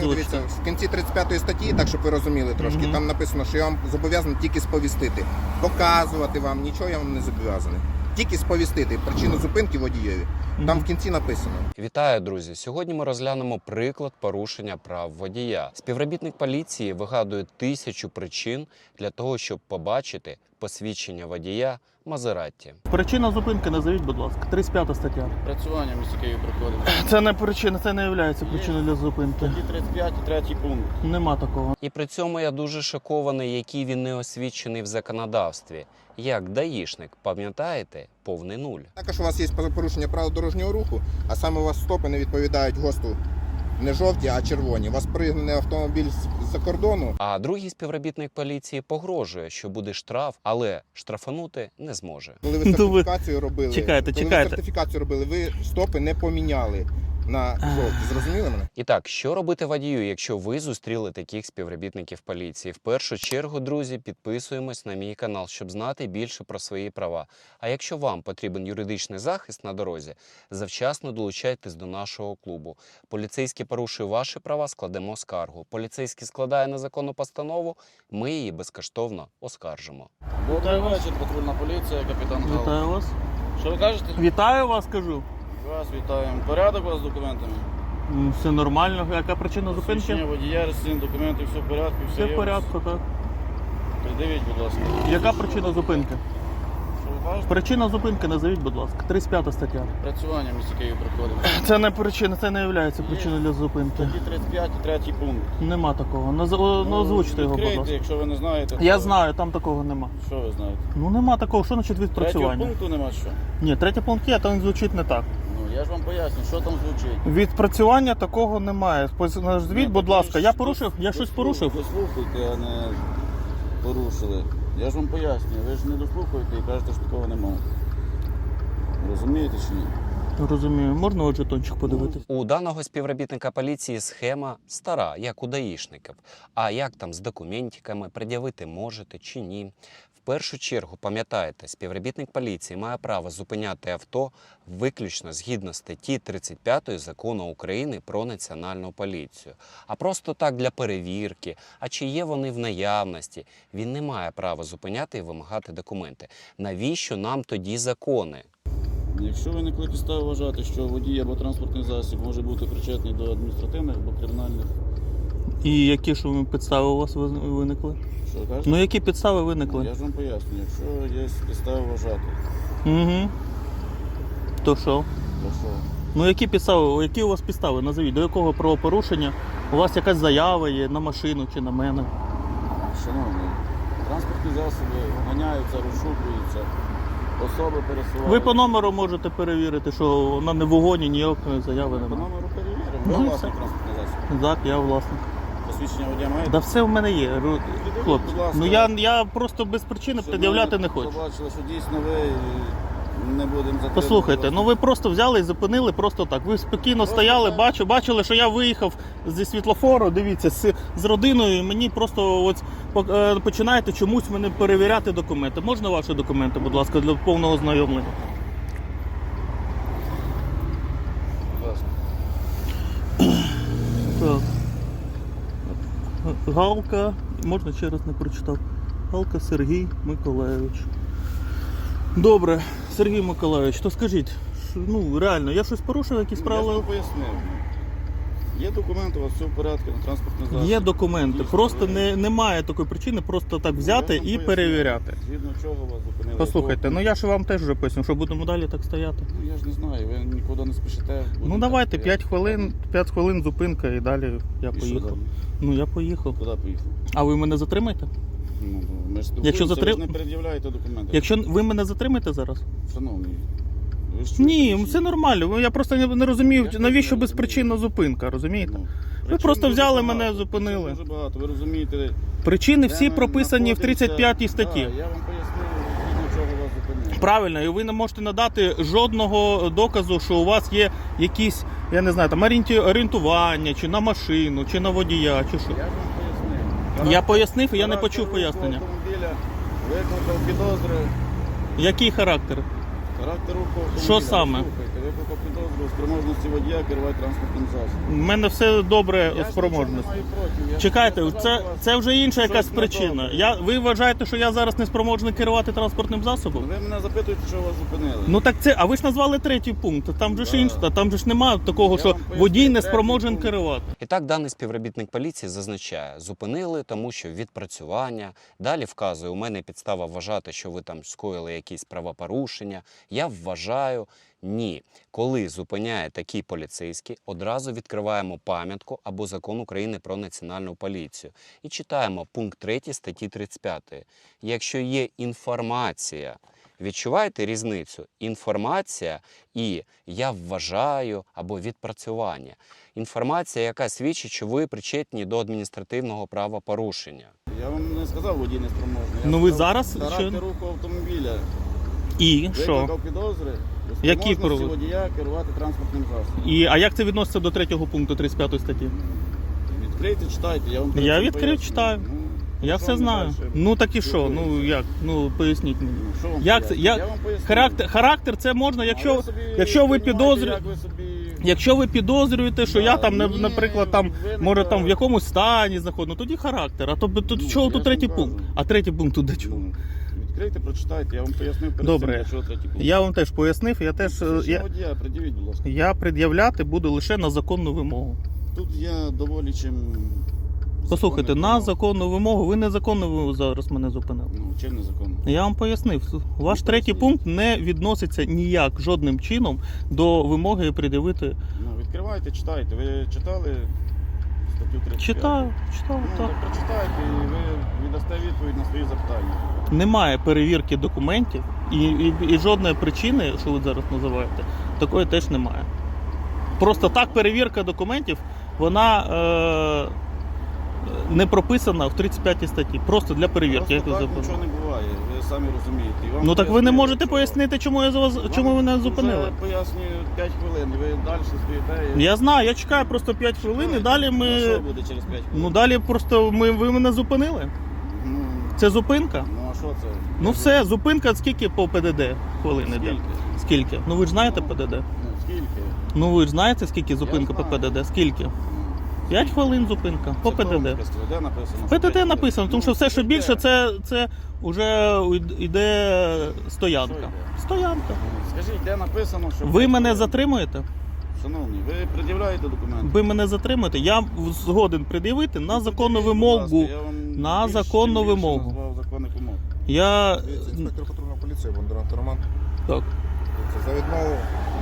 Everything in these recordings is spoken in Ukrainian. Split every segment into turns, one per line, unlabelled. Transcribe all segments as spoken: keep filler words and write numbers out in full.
Дивіться, в кінці тридцять п'ятої статті, так щоб ви розуміли трошки,
Мгм.
там написано, що я вам зобов'язаний тільки сповістити. Показувати вам, нічого я вам не зобов'язаний. Тільки сповістити причину зупинки водієві. Там в кінці написано.
Вітаю, друзі! Сьогодні ми розглянемо приклад порушення прав водія. Співробітник поліції вигадує тисячу причин для того, щоб побачити посвідчення водія Мазератті.
Причина зупинки назовіть, будь ласка. тридцять п'ята стаття.
Працювання в місті Києві проходить.
Це не причина, це не є причиною для зупинки.
Статті тридцять п'ять, третій пункт.
Нема такого.
І при цьому я дуже шокований, який він не освічений в законодавстві. Як даїшник, пам'ятаєте, повний нуль.
Також у вас є порушення правил дорожнього руху, а саме у вас стопи не відповідають ГОСТу. Не жовті, а червоні. У вас пригнаний автомобіль з-за кордону.
А другий співробітник поліції погрожує, що буде штраф, але штрафанути не зможе.
Коли ви
Ну, ви-
сертифікацію робили,
Чекайте,
коли
чекайте.
ви сертифікацію робили, ви стопи не поміняли на жовті. Зрозуміли мене?
І так, що робити водію, якщо ви зустріли таких співробітників поліції? В першу чергу, друзі, підписуємось на мій канал, щоб знати більше про свої права. А якщо вам потрібен юридичний захист на дорозі, завчасно долучайтесь до нашого клубу. Поліцейський порушує ваші права, складемо скаргу. Поліцейський складає незаконну постанову, ми її безкоштовно оскаржимо.
Добрий вечір, патрульна поліція, капітан Гал.
Вітаю вас.
Що ви кажете?
Вітаю вас, кажу.
Вас вітаємо. Порядок у вас з документами?
М, Все нормально. Яка причина
Посвідчення
зупинки?
водія, реєстраційні документи, все в порядку, все,
Все
є
в
у вас?
порядку, так.
Придивіть, будь ласка.
Яка причина зупинки?
Що ви кажете?
Причина зупинки назовіть, будь ласка. тридцять п'ята стаття.
Працювання в місті Києві проходить.
Це не причина, це не є причиною для зупинки.
Статті тридцять п'ять, третій пункт.
Нема такого. Наз... о, Ну, озвучте його, будь
відкрийте,
ласка.
якщо ви не знаєте.
Я
то-
знаю, там такого нема.
Що ви знаєте?
Ну нема такого. Що значить
Третього
відпрацювання?
пункту нема що?
Ні, третій пункт є, там він звучить не так.
Ну, я ж вам поясню, що там звучить.
Відпрацювання такого немає. Назвіть,
Ні,
будь
так
ласка,
ви
я
ж
порушив? Я
дослух-
щось порушив?
Дослухайте, а не порушили. Я ж вам пояснюю, ви ж не дослухаєте і кажете, що такого немає. Розумієте чи ні?
Розумію. Можна от жетончик подивитись?
У даного співробітника поліції схема стара, як у даїшників. А як там з документиками, пред'явити можете чи ні? В першу чергу, пам'ятайте, співробітник поліції має право зупиняти авто виключно згідно статті тридцять п'ятої Закону України про національну поліцію. А просто так для перевірки, а чи є вони в наявності, він не має права зупиняти і вимагати документи. Навіщо нам тоді закони?
Якщо виникли підстави вважати, що водій або транспортний засіб може бути причетний до адміністративних або кримінальних,
І які ж ви підстави у вас виз- виникли?
що ви кажете?
Ну які підстави
Я
виникли?
ж вам поясню, якщо є підстави вважати,
Угу. То що?
то що?
Ну які підстави, які у вас підстави? Назовіть, до якого правопорушення? У вас якась заява є на машину чи на мене?
Шановні, транспортні засоби ганяються, розшукуються, особи пересуваються.
Ви по номеру можете перевірити, що вона не в угоні, ніякої заяви
По
немає.
номеру перевіримо.
Ну,
Ви
і
власний
все.
транспортний засіб.
Так, я власник.
Посвідчення водія маєте?
Да все в мене є, ру-
Відповідь,
хлопці.
будь ласка.
Ну я, я просто без причини
Щоб
пред'являти
ми
не хочу.
побачили, що дійсно ви і не будемо затримувати.
Послухайте,
вас.
ну ви просто взяли і зупинили просто так. Ви спокійно
Просто
стояли,
так.
бачу, бачили, що я виїхав зі світлофору, дивіться, з, з родиною, і мені просто от, по- е, починаєте чомусь мене перевіряти документи. Можна ваші документи, будь ласка, для повного ознайомлення?
Будь ласка.
Так. Галка, можна ще раз не прочитав. Галка Сергій Миколайович. Добре, Сергій Миколайович, то скажіть, що, ну реально, я щось порушив, якісь
Я ж
правила?
вам пояснив. Є документи, у вас все в порядку на транспортний засіб.
Є документи,
Дійсно,
просто
ви-
не, немає такої причини просто так взяти
Я ж вам
і
пояснив,
перевіряти.
Згідно чого вас зупинили.
Послухайте,
Якого-
ну я ж вам теж вже поясню, що будемо далі так стояти.
Ну я ж не знаю, ви нікуди не спішите.
Ну
будете
давайте
стояти.
п'ять хвилин, п'ять хвилин зупинка і далі я
І що
поїхав.
далі?
Ну я поїхав.
Куди поїхав?
А ви мене затримаєте?
Ну, ми ж
Якщо
спілкуємося,
затрим-
ви ж не пред'являєте документи.
Якщо ви мене затримаєте зараз?
Шановний, ви ж чуєте,
Ні,
чи-
все нормально. Я просто не, не розумію,
Я ж
навіщо
не
безпричинна
розумію.
зупинка, розумієте?
Ну,
Ви
причин
просто
дуже
взяли
багато,
мене, зупинили.
причин Дуже багато, ви розумієте.
Причини
де
всі
ми
прописані в тридцять п'ятій
знаходимося.
статті.
Так, я вам пояснив, згідно чого вас зупинили.
Правильно, і ви не можете надати жодного доказу, що у вас є якісь, я не знаю, там орієнті- орієнтування, чи на машину, чи на водія, чи що.
Я ж вам пояснив.
Я пояснив, і я не
Характер
почув
руху
пояснення.
автомобіля викликав підозри.
Який характер?
Характер руху автомобіля.
Що саме?
Слухайте, ви по підозру спроможності водія керувати транспортним засобом.
У мене все добре
Я
у
ж нічого
спроможності.
не маю проти. Я ж
Чекайте,
сказав,
це,
що вас
це вже інша якась
щось
причина.
недобре.
Я, ви вважаєте, що я зараз не спроможний керувати транспортним засобом?
Ви мене запитуєте, що вас зупинили.
Ну так це, а ви ж назвали третій пункт. Там же ж
Да.
інше, там же ж немає такого,
Я
що
вам поясню,
водій не
третій
спроможен
пункт.
керувати.
І так даний співробітник поліції зазначає, зупинили, тому що відпрацювання. Далі вказує, у мене підстава вважати, що ви там скоїли якісь правопорушення. Я вважаю, ні. Коли зупиняє такий поліцейський, одразу відкриваємо пам'ятку або Закон України про національну поліцію. І читаємо пункт третій статті тридцять п'ятої. Якщо є інформація, відчуваєте різницю? Інформація і я вважаю або відпрацювання. Інформація, яка свідчить, що ви причетні до адміністративного правопорушення.
Я вам не сказав, водій не спроможний. Я
Ну, ви
сказав,
зараз
характер
що?
руху автомобіля.
І що?
Викликав підозри у
Які
спроможності
провод-
водія керувати транспортним засобом.
І, а як це відноситься до третього пункту тридцять п'ятої статті?
Відкрийте, читайте, я вам перед
Я
цим
відкрив,
поясню.
читаю.
Ну,
Я
що
все
вам
знаю.
дальше?
Ну так і що? Ну
Спілкуємося.
як? Ну поясніть мені.
Ну, що вам
Як це?
поясню?
Я-
Я вам поясню.
Характер, характер це можна,
А
якщо,
ви собі
якщо ви
понімаєте,
підозрюєте.
як ви собі...
Якщо ви підозрюєте, що
Да,
я там, не-
ні,
наприклад, там
ви не
може там в
праві.
якомусь стані знаходжу, ну тоді характер. А то тут
Ну,
чого
я
тут
ж
третій
вам
пункт?
кажу.
А третій пункт тут до чого?
Ну, відкрийте, прочитайте, я вам пояснив перед
Добре.
цим, для чого третій пункт.
Я вам теж пояснив, я теж е,
Посвідчення
я,
водія, придивіть, будь ласка.
я пред'являти буду лише на законну вимогу.
Тут я доволі чим...
Послухайте,
законний
на
вимог.
законну вимогу ви незаконно ви зараз мене зупинили.
Ну, чим незаконно?
Я вам пояснив, ваш
Ну,
третій
поясніть.
пункт не відноситься ніяк жодним чином до вимоги пред'явити.
Ну, відкривайте, читайте. Ви читали статтю тридцять п'ять?
Читаю, читаю,
Ну,
так.
так прочитайте і ви віддасте відповідь на свої запитання.
Немає перевірки документів і, і, і жодної причини, що ви зараз називаєте, такої теж немає. Просто так перевірка документів, вона е, не прописана в тридцять п'ятій статті. Просто для перевірки. Як ви
Просто так
запитали.
нічого не буває, ви самі розумієте. І вам
Ну так ви не
пояснили,
можете
що-
пояснити, чому я за вас,
Вам
чому ви мене
вже
зупинили.
пояснюю п'ять хвилин, і ви далі стоїте. і-
Я знаю, я чекаю просто п'ять хвилин і далі
А що
ми.
буде через п'ять хвилин?
Ну далі просто ми, ви мене зупинили.
Ну,
Це зупинка.
ну а що це?
Ну все, зупинка скільки по ПДД хвилини йде?
Скільки?
Скільки? Ну ви ж знаєте ПДД?
Ну, скільки?
Ну ви ж знаєте, скільки зупинка по
знаю.
ПДД? Скільки?
Ну,
п'ять хвилин зупинка по
це хто вам
ПДД.
сказав? Де написано?
В
що п'ять
ПДД
хвилин?
написано, тому що
Ну,
все, що
де?
більше, це, це вже йде
Що
стоянка.
йде?
Стоянка.
Ну, Скажіть, де написано, що...
Ви
п'ять
мене
хвилин?
затримуєте?
Шановні, ви пред'являєте документи?
Ви мене затримуєте? Я згоден пред'явити на
Ну,
законну
пред'явіть, будь ласка,
вимогу.
я вам
На
більш-
законну
чим більше
вимогу.
назвав законних вимог.
Я
Дивіться, інспектор патрульної поліції Бондарант Роман.
так.
Дивіться, за відмову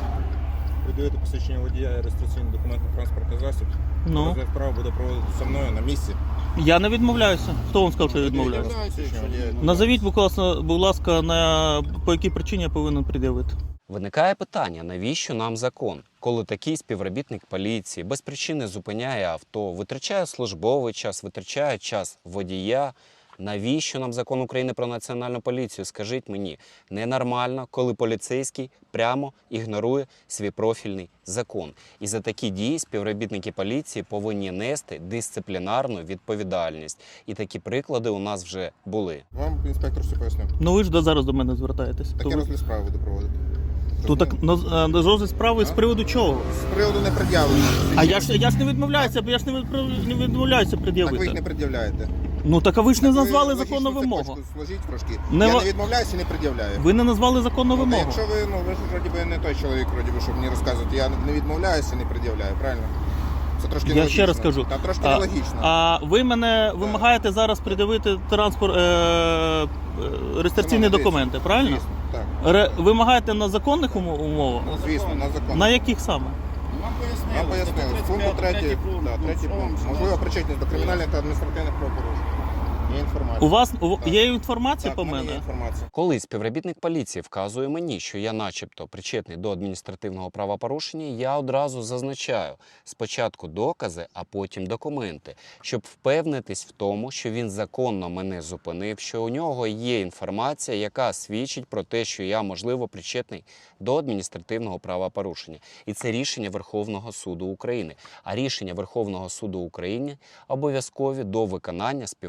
видаєте посвідчення водія і реєстраційний документ на транспортний засіб.
Ну
Розгляд справи буде проводитися мною на місці.
я не відмовляюся. Хто вам сказав, що я відмовляюся?
Відмовляюся, що водія.
Назовіть, будь ласка, будь ласка, на по якій причині я повинен пред'явити.
Виникає питання, навіщо нам закон? Коли такий співробітник поліції без причини зупиняє авто, витрачає службовий час, витрачає час водія. Навіщо нам закон України про національну поліцію? Скажіть мені, ненормально, коли поліцейський прямо ігнорує свій профільний закон. І за такі дії співробітники поліції повинні нести дисциплінарну відповідальність. І такі приклади у нас вже були.
Вам інспектор все пояснив.
Ну ви ж до зараз до мене звертаєтесь. То,
Таке
ви-
розгляд справи буде проводити.
то так на на розгляд справи з
А?
приводу чого?
З приводу не пред'явлення.
А я ж я ж не відмовляюся, я ж не відправ- не відмовляюся
Так ви їх не
пред'явити.
пред'являєте.
Ну так а ви ж не
Так ви
назвали
логічну
законну вимогу.
цепочку Сложіть трошки.
Не
Я
ва-
не відмовляюся і не пред'являю.
Ви не назвали законну
Ну, та
вимогу.
якщо ви, ну ви ж вроді би не той чоловік, вроді би, щоб мені розказувати, я не відмовляюся і не пред'являю, правильно? Це трошки
Я
нелогічно.
ще раз кажу.
Та трошки
А,
нелогічно.
а ви мене вимагаєте зараз пред'явити транспорт е, е, реєстраційні
Шановний,
документи, правильно?
Звісно, так.
Ре, вимагаєте на законних умо- умовах?
Ну, звісно, на закон.
На яких саме?
Вам пояснили.
Вам пояснили.
стаття
Пункт
тридцять п'ять,
третій,
пункт.
да,
Ну,
третій
що вам
пункт.
сказати?
Можливо, причетність до кримінальних та адміністративних правопорушень. Є інформація.
У вас у-
Так.
є інформація
Так,
по
в мене є
мене?
інформація.
Коли співробітник поліції вказує мені, що я начебто причетний до адміністративного правопорушення, я одразу зазначаю спочатку докази, а потім документи, щоб впевнитись в тому, що він законно мене зупинив, що у нього є інформація, яка свідчить про те, що я, можливо, причетний до адміністративного правопорушення. І це рішення Верховного суду України. А рішення Верховного суду України обов'язкові до виконання співробітниками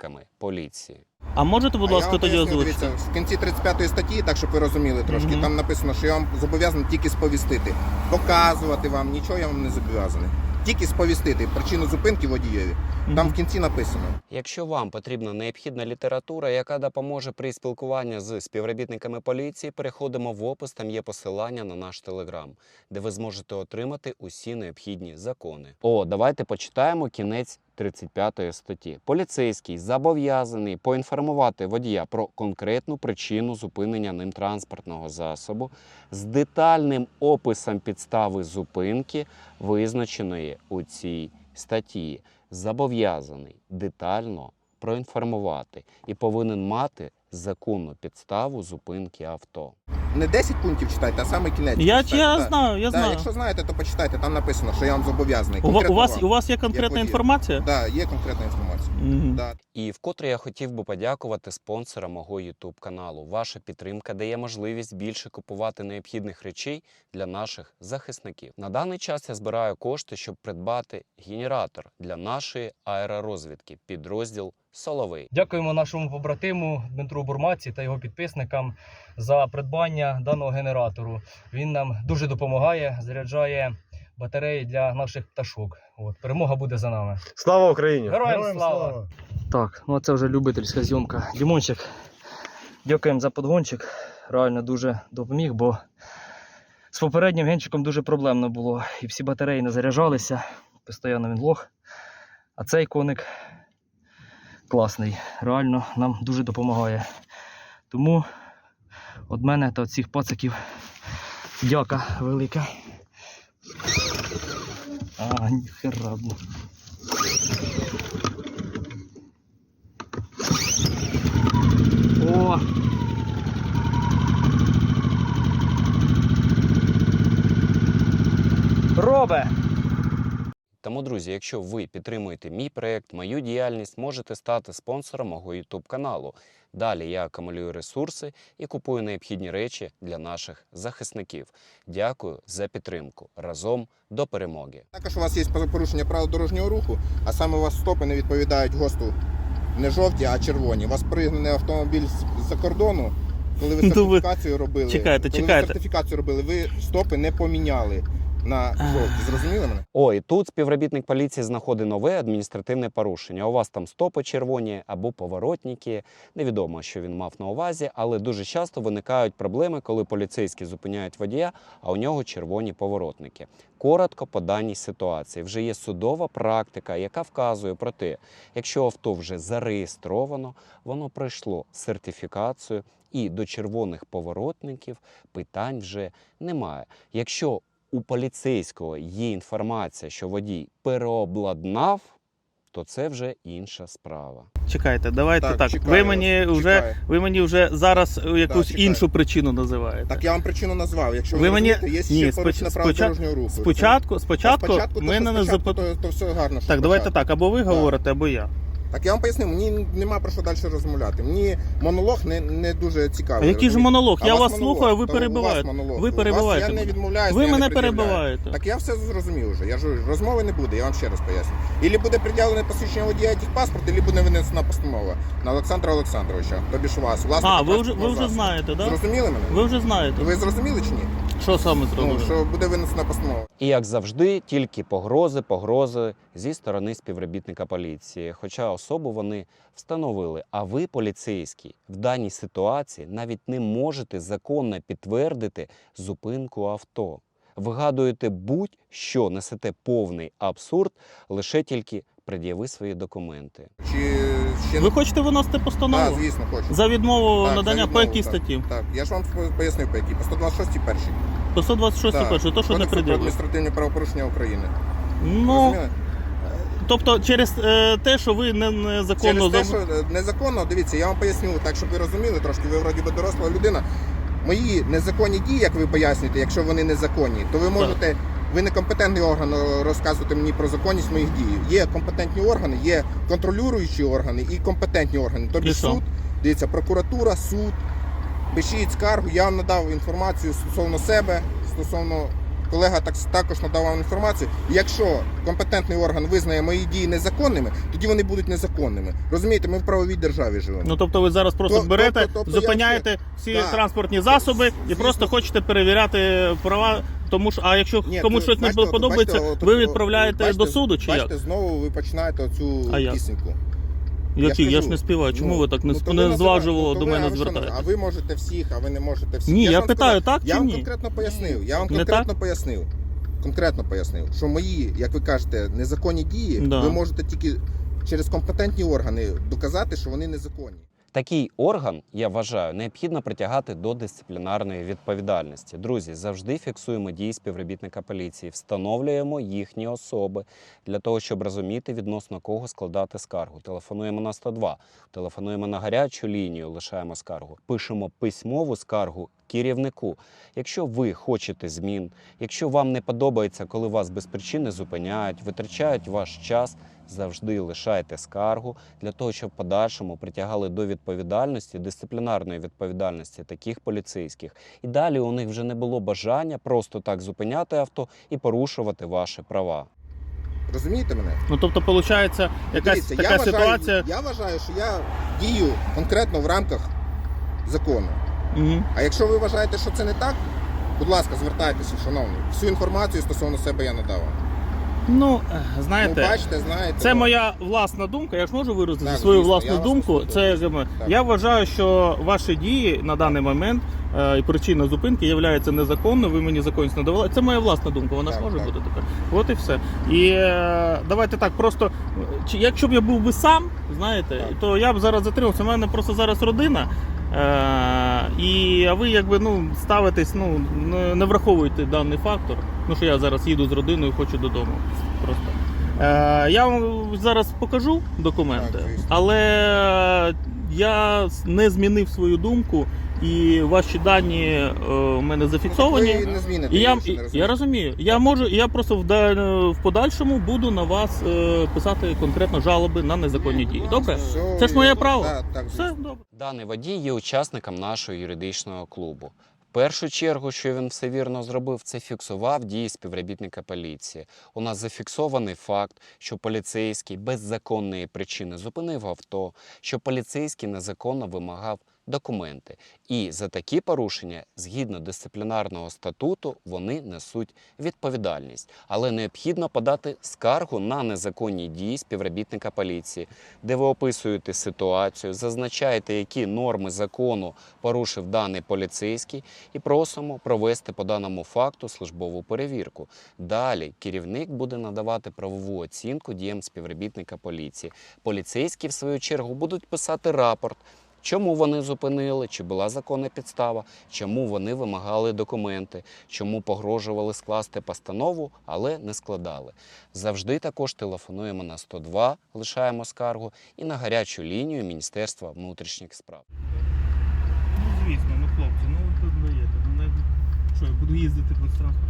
співробітниками поліції.
А можете, будь
А я
ласка,
вам
тоді
поясню,
озвучити?
дивіться, в кінці тридцять п'ятої статті, так щоб ви розуміли трошки,
Мгм.
там написано, що я вам зобов'язаний тільки сповістити. Показувати вам, нічого я вам не зобов'язаний. Тільки сповістити причину зупинки водієві. Там в кінці написано.
Якщо вам потрібна необхідна література, яка допоможе при спілкуванні з співробітниками поліції, переходимо в опис, там є посилання на наш телеграм, де ви зможете отримати усі необхідні закони. О, давайте почитаємо кінець тридцять п'ятої статті. Поліцейський зобов'язаний поінформувати водія про конкретну причину зупинення ним транспортного засобу з детальним описом підстави зупинки, визначеної у цій статті. Зобов'язаний детально проінформувати і повинен мати законну підставу зупинки авто.
Не десять пунктів читайте, а саме кінець.
Я,
почитайте.
я
Так.
знаю, я
Так,
знаю.
якщо знаєте, то почитайте, там написано, що я вам зобов'язаний.
У, ва- у,
Конкретно
вас,
вам.
у вас є конкретна
водію.
інформація?
Так, є конкретна інформація.
Мгм.
Да.
І вкотре я хотів би подякувати спонсорам мого YouTube каналу. Ваша підтримка дає можливість більше купувати необхідних речей для наших захисників. На даний час я збираю кошти, щоб придбати генератор для нашої аеророзвідки, підрозділ «Соловей».
Дякуємо нашому побратиму Дмитру Бурмаці та його підписникам за придбання даного генератору. Він нам дуже допомагає, заряджає батареї для наших пташок. От, перемога буде за нами.
Слава Україні!
Героям слава! Так, ну це вже любительська зйомка. Дімончик, дякуємо за подгончик. Реально дуже допоміг, бо з попереднім генчиком дуже проблемно було. І всі батареї не заряджалися, постійно він лох. А цей коник класний, реально нам дуже допомагає. Тому від мене та від всіх пациків дяка велика. А, ніхера. Блін. О! Робе!
Тому, друзі, якщо ви підтримуєте мій проєкт, мою діяльність, можете стати спонсором мого YouTube каналу. Далі я акумулюю ресурси і купую необхідні речі для наших захисників. Дякую за підтримку. Разом до перемоги.
Також у вас є порушення правил дорожнього руху, а саме у вас стопи не відповідають ГОСТу не жовті, а червоні. У вас пригнаний автомобіль з-за кордону, коли ви
Ну ви-
сертифікацію робили.
Чекайте,
коли
чекайте.
ви сертифікацію робили, ви стопи не поміняли на жовті. Зрозуміли мене?
О, і тут співробітник поліції знаходить нове адміністративне порушення. У вас там стопи червоні або поворотники. Невідомо, що він мав на увазі, але дуже часто виникають проблеми, коли поліцейські зупиняють водія, а у нього червоні поворотники. Коротко по даній ситуації. Вже є судова практика, яка вказує про те, якщо авто вже зареєстровано, воно пройшло сертифікацію і до червоних поворотників питань вже немає. Якщо у поліцейського є інформація, що водій переобладнав, то це вже інша справа.
Чекайте, давайте
Так,
так.
чекаю
Ви
вас,
мені вже
чекаю.
ви мені вже зараз якусь
чекаю.
іншу причину називаєте.
Так я вам причину назвав. Якщо ви,
Ви мені-
розумієте, є
Ні,
ще порушення
споч-
правил
спочат-
дорожнього руху.
Спочатку, спочатку,
спочатку то,
мене
що
не
спочатку,
запит...
то, то все гарно. що
Так, давайте
спочатку.
так, або ви
Так.
говорите, або я.
Так я вам поясню, мені нема про що далі розмовляти. Мені монолог не, не дуже цікавий.
А який ж
розумієте?
монолог?
А
Я
у
вас
монолог,
слухаю, ви
то у вас
перебиваєте.
монолог.
Ви
У вас
перебиваєте
Я не
мене.
відмовляюся,
Ви
я
мене
не пред'являю.
перебиваєте.
Так я все зрозумів вже. Я ж розмови не буде, я вам ще раз поясню. Ілі буде приділене посвідчення водія техпаспорт, ілі буде винесена постанова на Олександра Олександровича, тобі ж вас. власника
А, ви вже, ви
транспортного
вже
засобу.
знаєте, так? Да?
Зрозуміли мене?
Ви вже знаєте.
Ви зрозуміли чи ні?
Що саме
Ну,
зробили?
що буде винесена постанова.
І, як завжди, тільки погрози, погрози зі сторони співробітника поліції. Хоча особу вони встановили. А ви, поліцейський, в даній ситуації навіть не можете законно підтвердити зупинку авто. Вигадуєте будь-що, несете повний абсурд, лише тільки пред'яви свої документи.
Чи ще
Ви хочете виносити
Так,
постанову?
звісно, хочу.
За відмову
Так,
надання
за
по
відмову,
якій
так.
статті?
Так, я ж вам пояснив по якій. По сто двадцять шостій першій.
По сто двадцять шостій
Так.
перший, то, що не
Кодексу про
приділили.
адміністративні правопорушення України.
Ну,
Розуміли?
тобто через е, те, що ви не, незаконно...
Через те,
зам-
що е, незаконно, дивіться, я вам поясню, так, щоб ви розуміли трошки, ви вроді би доросла людина. Мої незаконні дії, як ви пояснюєте, якщо вони незаконні, то ви можете, ви не компетентний орган е, розказувати мені про законність моїх дій. Є компетентні органи, є контролюючі органи і компетентні органи. Тобі
І що?
суд, дивіться, прокуратура, суд, пишіть скаргу, я вам надав інформацію стосовно себе, стосовно колега так, також надав вам інформацію. І якщо компетентний орган визнає мої дії незаконними, тоді вони будуть незаконними. Розумієте, ми в правовій державі живемо.
Ну тобто ви зараз просто
То-
берете,
тобто- тобто я
зупиняєте всі
Так.
транспортні засоби і
Звісно.
просто хочете перевіряти права, тому що, а якщо
Ні,
комусь
то,
щось не
бачите, от-
подобається,
бачите, от-
ви
от-
відправляєте
бачите,
до суду чи
бачите,
як?
знову ви починаєте оцю
А як?
пісеньку.
Які? Я,
ж
ж
кажу,
не співаю. Чому
ну,
ви так не,
ну, то
не
ви
зважувало
називаєте,
до
ну, то ви,
мене
а ви що,
звертаєтесь?
А ви можете всіх, а ви не можете всіх.
Ні,
ж
я
вам
питаю,
сказав-
так
Я
чи
вам
ні?
конкретно пояснив. Я вам
Не
конкретно пояснив. Конкретно пояснив, що мої, як ви кажете, незаконні дії,
Да.
ви можете тільки через компетентні органи доказати, що вони незаконні.
Такий орган, я вважаю, необхідно притягати до дисциплінарної відповідальності. Друзі, завжди фіксуємо дії співробітника поліції, встановлюємо їхні особи для того, щоб розуміти, відносно кого складати скаргу. Телефонуємо на сто два, телефонуємо на гарячу лінію, лишаємо скаргу. Пишемо письмову скаргу керівнику. Якщо ви хочете змін, якщо вам не подобається, коли вас без причини зупиняють, витрачають ваш час, завжди лишайте скаргу для того, щоб в подальшому притягали до відповідальності, дисциплінарної відповідальності таких поліцейських. І далі у них вже не було бажання просто так зупиняти авто і порушувати ваші права.
Розумієте мене?
Ну тобто, виходить, якась
Дивіться,
така
я вважаю,
ситуація.
Я вважаю, що я дію конкретно в рамках закону.
Угу.
А якщо ви вважаєте, що це не так, будь ласка, звертайтеся, шановні. Всю інформацію стосовно себе я надав.
Ну,
Ну,
знаєте,
бачите, знаєте.
це
ну,
моя власна думка. Я ж можу виразити
Так,
свою
звісно,
власну
я вас
думку.
послухаю.
Це якби,
Так.
я вважаю, що ваші дії на даний момент е, і причина зупинки є незаконною. Ви мені законність не давали. Це моя власна думка. Вона ж
Так,
може
так.
бути така. От і все. І е, давайте так, просто чи якщо б я був би сам, знаєте,
Так.
то я б зараз затримався. У мене просто зараз родина. Е, і а ви якби ну ставитесь, ну не, не враховуєте даний фактор. Ну що я зараз їду з родиною, хочу додому. Просто. Е, я вам зараз покажу документи,
Так, звісно.
але я не змінив свою думку, і ваші дані е, у мене зафіксовані.
Ви не зміните,
І я,
що не
і, я
розумієте.
розумію. Я можу, я просто в, да- в подальшому буду на вас е, писати конкретно жалоби на незаконні дії. Добре?
Все,
Це ж моє право.
Так, так,
Все
звісно.
добре.
Даний водій є учасником нашого юридичного клубу. В першу чергу, що він все вірно зробив, це фіксував дії співробітника поліції. У нас зафіксований факт, що поліцейський без законної причини зупинив авто, що поліцейський незаконно вимагав документи. І за такі порушення, згідно дисциплінарного статуту, вони несуть відповідальність. Але необхідно подати скаргу на незаконні дії співробітника поліції, де ви описуєте ситуацію, зазначаєте, які норми закону порушив даний поліцейський, і просимо провести по даному факту службову перевірку. Далі керівник буде надавати правову оцінку діям співробітника поліції. Поліцейські, в свою чергу, будуть писати рапорт, чому вони зупинили, чи була законна підстава, чому вони вимагали документи, чому погрожували скласти постанову, але не складали. Завжди також телефонуємо на сто два, лишаємо скаргу, і на гарячу лінію Міністерства внутрішніх справ.
Ну звісно, ну хлопці, ну ви тут даєте. Ну навіть що, я буду їздити без транспорту.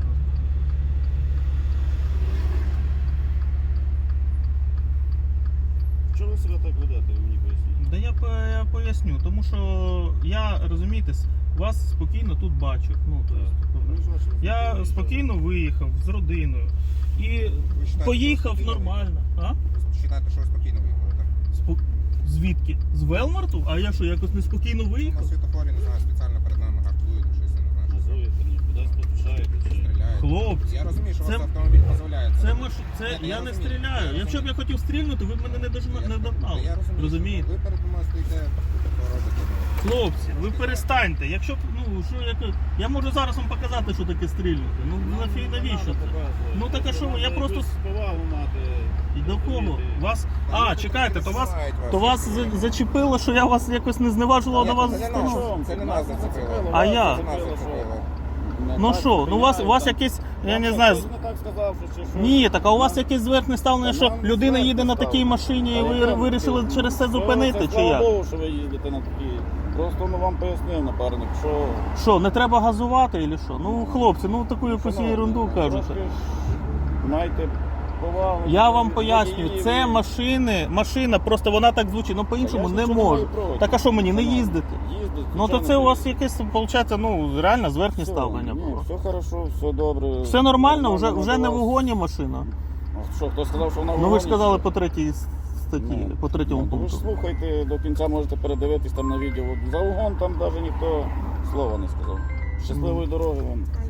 Чого ви себе так ведете, ви мені поясніть?
Да я, по- я поясню, тому що я, розумієте, с- вас спокійно тут бачу. Ну, то есть,
Ну, і що, що ви
я
таке
спокійно виїхав з родиною і
Ви вважаєте,
поїхав
що ви
нормально. А?
Ви вважаєте, що ви спокійно виїхали, так?
Спо- Звідки? З Велмарту? А я що, якось неспокійно
На
виїхав?
світофорі, не знаю, спеціально перед нами гартуєте, щось, я не знаю, що
Газуєте, ні, кудись поспішаєте, чи
стріляєте.
Хлопці,
Я розумію, що у
це-
вас автомобіль дозволяє.
Це маш... це
Ні,
я не
розумію,
стріляю.
я
Якщо б я
розумію.
хотів стрільнути, ви б мене не дожна- не догнали.
Я розумію,
Розумієте?
Ви перед мною стоїте, що робите.
Хлопці, ви перестаньте. Якщо б, ну що як я можу зараз вам показати, що таке стрільнути. Ну нафіг навіщо це? Ну так а що ви? Я просто
повагу мати.
і до кого? Вас.
Та
А,
люди
чекайте,
не
то вас
знають
то вас за- зачепило, що я вас якось не зневажував до вас.
Це не
установу.
нас, це не нас зацепило.
А я?
Це нас зацепило.
Ну що, ну у вас у вас якесь, я не знаю. з-
не так сказав, що чи що.
Ні, так а у вас якесь зверхне ставлення,
Та
що
нам
людина
зверхне
їде на такій
ставлення.
машині, і ви
Але
вирішили
це-
через це зупинити,
Це
чи
слава
як?
Богу, що ви їздите на такі. Просто ну, вам пояснив напарник, що...
Що, не треба газувати, чи що? Ну, хлопці, ну таку якусь
Шановні,
ерунду кажуть.
трошки Маєте повагу.
Я вам
до
пояснюю,
водіїв.
це машини, машина, просто вона так звучить, ну по-іншому
Я
не
нічого
можу.
маю проти.
Так а що мені, не
Шановні,
їздити?
Їздить,
Ну то
звичайно,
це у вас
їздить.
якесь, виходить, ну реально зверхнє
Все,
ставлення
ні,
було.
все хорошо, все добре.
Все нормально, вже,
Нормально
вже не в
до вас.
угоні машина.
А що, хто сказав, що вона в
Ну ви
угоні?
ж сказали по третій статті,
Ну,
по третьому
ну, то ви ж
пункту.
слухайте, до кінця можете передивитись там на відео. За угон там навіть ніхто слова не сказав. Щасливої дороги вам.